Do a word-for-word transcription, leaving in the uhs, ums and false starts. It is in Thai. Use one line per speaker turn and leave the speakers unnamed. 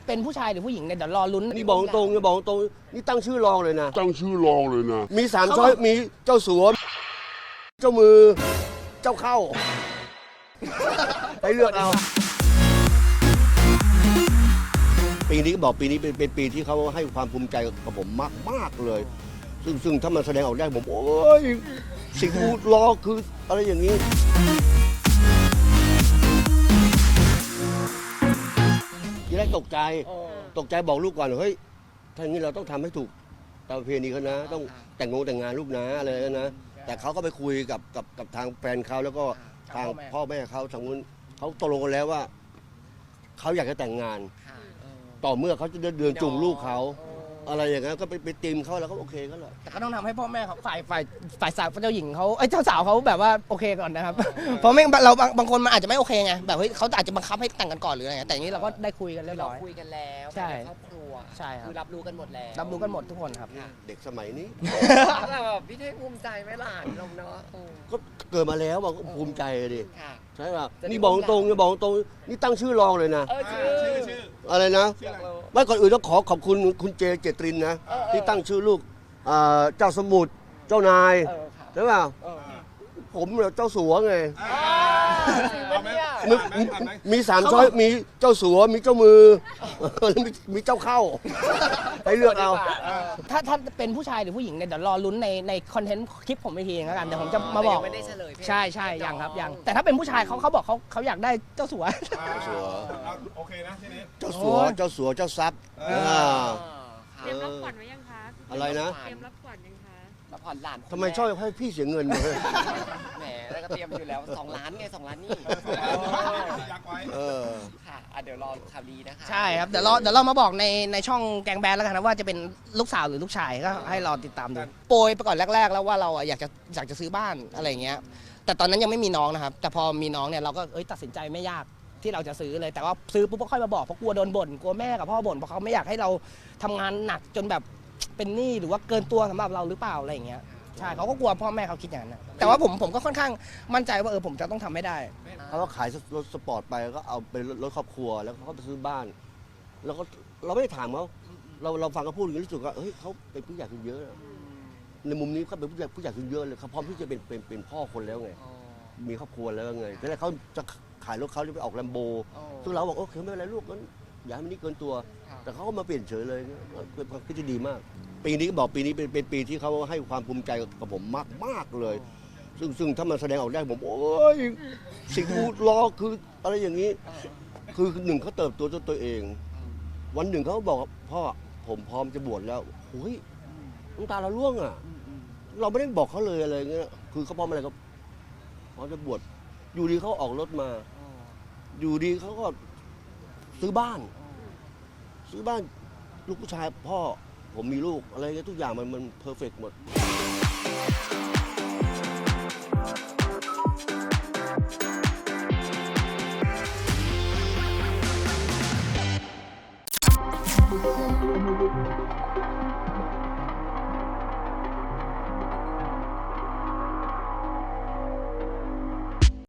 เป็นผู้ชายหรือผู้หญิงเนี่ยเดี๋ยวรอลุ้น
นี่บอกตรงนี่บอกตรงนี่ตั้งชื่อรองเลยนะ
ตั้งชื่อรองเลยนะ
มีสามช้อยมีเจ้าสัวเจ้ามือเจ้าเข้าให้เลือกเอาปีนี้ก็บอกปีนี้เป็นเป็นปีที่เขาให้ความภูมิใจกับผมมากมากเลยซึ่งซึ่งถ้ามันแสดงออกได้ผมโอ้ยสิ่งที่รอคืออะไรอย่างนี้ทีแรกตกใจตกใจบอกลูกก่อนเฮ้ยถ้าอย่างนี้เราต้องทำให้ถูกตามประเพณีเขานะต้องแต่งงงแต่งงานลูกนะอะไรนะแต่เขาก็ไปคุยกับกับกับทางแฟนเขาแล้วก็ทางพ่อแม่เขาทางนู้นเขาตกลงกันแล้วว่าเขาอยากจะแต่งงานต่อเมื่อเขาจะเดินจูงลูกเขาอะไรอย่างนั้นก็ไปไปตีมเขาแล้วก็โอเคก็เลย
แต่ก็ต้องทำให้พ่อแม่เขาฝ่ายฝ่ายฝ่ายสาวเจ้าหญิงเขาไอ้เจ้าสาวเขาแบบว่าโอเคก่อนนะครับเพราะไม่เราบางบางคนมันอาจจะไม่โอเคไงแบบเฮ้ยเขาอาจจะบังคับให้แต่งกันก่อนหรืออะไรแต่อย่างนี้เราก็ได้คุยกันเรียบร้อย
คุยกันแล้ว
ใช่
ครอบครัว
ใช่ครับ
คือรับรู้กันหมดแล้ว
รับรู้กันหมดทุกคนครับ
เด็กสมัยนี้
แบบพี่เท่งภูมิใจไหมหลานลงเนาะ
ก็เกิดมาแล้วบอกภูมิใจดิใช่ป่ะ
จะได้
นี่บอกตรงนี่บอกตรงนี่ตั้งชื่อรองเลยนะ
เออชื่อชื่อชื่อ
อะไรนะ
ชื่ออะไร
ไม่ก่อนอื่นต้องขอขอบคุณคุณเจเจตรินนะที่ตั้งชื่อลูกอ่าเจ้าสมุทรเจ้านาย
เออค่ะ
ใช่ป่ะ
เออ
ผมเนี่ยเจ้าสัวไง
เอาไหม
มีมีมีสามช้อยมีเจ้าสัวมีเจ้ามือแล้วมีมีเจ้าเข้าให้เลือกเอา
ถ้าถ้าเป็นผู้ชายหรือผู้หญิงเนี่ยเดี๋ยวรอลุ้นในในคอนเทนต์คลิปผมอีกทีแล้วกันเดี๋ยวผมจะมาบอก
ไม่ได้เฉลย
ใช่ใช่ยังครับยังแต่ถ้าเป็นผู้ชายเขาเขาบอกเขาเขาอยากได้เจ้าสัว
สัว
โอเคนะทีนี้
เจ้าสัวเจ้าสัวเจ้าทรัพย์อ่า
เตรียมรับขวัญไว้ยังคะ
อะไรนะ
เตรียมรับขวัญยังคะ
แล้วผ่อนหลาน
ทำไมชอบให้พี่เสียเงินเลย
แหมแล้วก็เตรียมอยู่แล้วสองล้านไงสองล้านนี่
ยักไว้
เออ
ค่ะอ่ะเดี๋ยวรอข่าวดีนะคะ
ใช่ครับเดี๋ยวเราเดี๋ยวเรามาบอกในในช่องแกงแบนแล้วกันนะว่าจะเป็นลูกสาวหรือลูกชายก็ให้รอติดตามดูโปรยไปก่อนแรกๆแล้วว่าเราอะอยากจะอยากจะซื้อบ้านอะไรอย่างเงี้ยแต่ตอนนั้นยังไม่มีน้องนะครับแต่พอมีน้องเนี่ยเราก็เอ้ยตัดสินใจไม่ยากที่เราจะซื้อเลยแต่ว่าซื้อปุ๊บก็ค่อยมาบอกเพราะกลัวโดนบ่นกลัวแม่กับพ่อบ่นเพราะเขาไม่อยากให้เราทำงานหนักจนแบบเป็นหนี้หรือว่าเกินตัวสำหรับเราหรือเปล่าอะไรอย่างเงี้ยใช่เขาก็กลัวพ่อแม่เขาคิดอย่างนั้นนะแต่ว่าผมผมก็ค่อนข้างมั่นใจว่าเออผมจะต้องทำให้ได้
เขาก็ขายรถสปอร์ตไปก็เอาเป็นรถครอบครัวแล้วเขาไปซื้อบ้าน แล้วก็เราไม่ได้ถามเขาเราเราฟังเขาพูดอย่างนี้รู้สึกว่าเฮ้ยเขาเป็นผู้ใหญ่ขึ้นเยอะในมุมนี้เขาเป็นผู้ใหญ่ผู้ใหญ่ขึ้นเยอะเลยเขาพร้อมที่จะเป็นเป็นเป็นพ่อคนแล้วไงมีครอบครัวแล้วไงแต่แล้วเขาจะขายรถเขาจะไปออกแลมโบซึ่งเราบอกโอเคไม่เป็นไรลูกงั้นอย่าให้มันนี่เกินตัว แต่เขาก็มาเปลี่ยนเฉยเลยเป็นความคิดที่ดีมาก ปีนี้ก็บอกปีนี้เป็นเป็นปีที่เขาให้ความภูมิใจกับผมมากมากเลย ซึ่งซึ่งถ้ามันแสดงออกได้ผมโอ้ยสิ่งที่รอคืออะไรอย่างนี้ คือหนึ่งเขาเติบโตด้วยตัวเอง วันหนึ่งเขาบอกพ่อผมพร้อมจะบวชแล้วโอ้ยน้ำตาเราร่วงอ่ะเราไม่ได้บอกเขาเลยอะไรเงี้ยคือเขาพร้อมอะไรก็พร้อมจะบวชอยู่ดีเขาออกรถมา อยู่ดีเขาก็ซื้อบ้าน ซื้อบ้านลูกผู้ชายพ่อผมมีลูกอะไรเงี้ยทุกอย่างมันมันเพอร์เฟกต์หมด